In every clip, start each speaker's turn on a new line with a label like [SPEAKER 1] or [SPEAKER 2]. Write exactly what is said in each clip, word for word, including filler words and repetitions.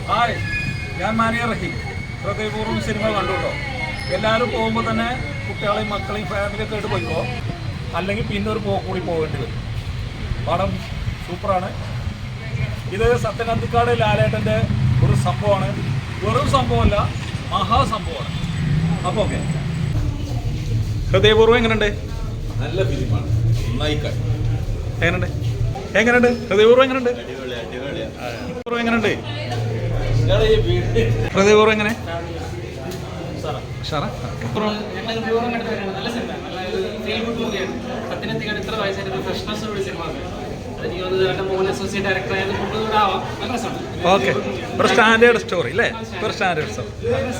[SPEAKER 1] Hi, ഞാൻ മാനിയ റഹീം. ഹൃദയപൂർവ്വം cinema കണ്ടു കേട്ടോ. എല്ലാവരും പോകുമ്പോൾ തന്നെ കുട്ടികളെയും മക്കളെയും ഫാമിലിയൊക്കെ ആയിട്ട് പോയിക്കോ, അല്ലെങ്കിൽ പിന്നെ ഒരു പോക്ക് കൂടി പോകേണ്ടി വരും. പടം സൂപ്പറാണ്. ഇത് സത്യനന്ദിക്കാട് ലാലേട്ടൻ്റെ ഒരു സംഭവമാണ്. വെറും സംഭവമല്ല, മഹാസംഭവമാണ്. അപ്പോൾ ഓക്കെ, ഹൃദയപൂർവ്വം എങ്ങനെയുണ്ട്?
[SPEAKER 2] നല്ല ഫിലിമാണ്, നന്നായി കണ്ടു.
[SPEAKER 1] എങ്ങനെയുണ്ട് എങ്ങനെയുണ്ട് ഹൃദയപൂർവ്വം എങ്ങനെയുണ്ട്? ഹൃദയപൂർവ്വം എങ്ങനെയുണ്ട്? ഹൃദയപൂർവ്വം എങ്ങനെ? ഓക്കെ, ഒരു സ്റ്റാൻഡേർഡ് സ്റ്റോറി അല്ലേ? ഒരു സ്റ്റാൻഡേർഡ് സ്റ്റോറി.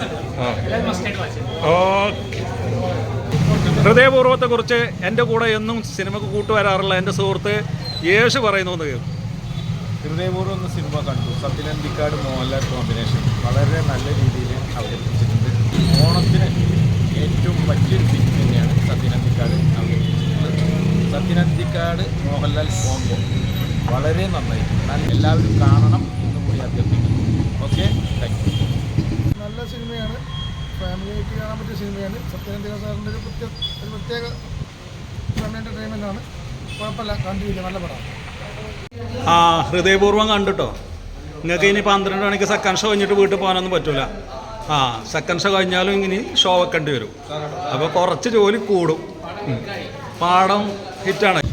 [SPEAKER 1] ഓക്കെ. ഹൃദയപൂർവ്വത്തെ കുറിച്ച് എൻ്റെ കൂടെ എന്നും സിനിമക്ക് കൂട്ടുവരാറുള്ള എൻ്റെ സുഹൃത്ത് യേശു പറയുന്നു എന്ന് കേൾക്കും.
[SPEAKER 2] ഹൃദയപൂർവ്വം എന്ന സിനിമ കണ്ടു. സത്യനന്ദിക്കാട് മോഹൻലാൽ കോമ്പിനേഷൻ വളരെ നല്ല രീതിയിൽ അവതരിപ്പിച്ചിട്ടുണ്ട്. ഓണത്തിന് ഏറ്റവും പറ്റിയൊരു ഫിലിം തന്നെയാണ് സത്യനന്ദിക്കാട് അവതരിപ്പിച്ചിട്ടുള്ളത്. സത്യനന്ദിക്കാട് മോഹൻലാൽ കോംബോ വളരെ നന്നായി. എല്ലാവരും കാണണം എന്ന് കൂടി അഭ്യർത്ഥിക്കുന്നു. Okay, thank you.
[SPEAKER 3] നല്ല സിനിമയാണ്, ഫാമിലിയായിട്ട് കാണാൻ പറ്റിയ സിനിമയാണ്. സത്യനന്ദിക്കാട് സാറിൻ്റെ ഒരു പ്രത്യേക ഒരു പ്രത്യേക ഫാമിലി എൻ്റർടൈൻമെൻ്റാണ്. കുഴപ്പമില്ല, കണ്ടിരിക്കുക, നല്ല പടമാണ്.
[SPEAKER 1] ആ, ഹൃദയപൂർവ്വം കണ്ടിട്ടോ. നിങ്ങൾക്ക് ഇനി പന്ത്രണ്ട് മണിക്ക് സെക്കൻഡ് ഷോ കഴിഞ്ഞിട്ട് വീട്ടിൽ പോകാനൊന്നും പറ്റില്ല. ആ, സെക്കൻഡ് ഷോ കഴിഞ്ഞാലും ഇങ്ങനെ ഷോ വെക്കേണ്ടി വരും. അപ്പോൾ കുറച്ച് ജോലി കൂടും. പാടം ഹിറ്റാണ്.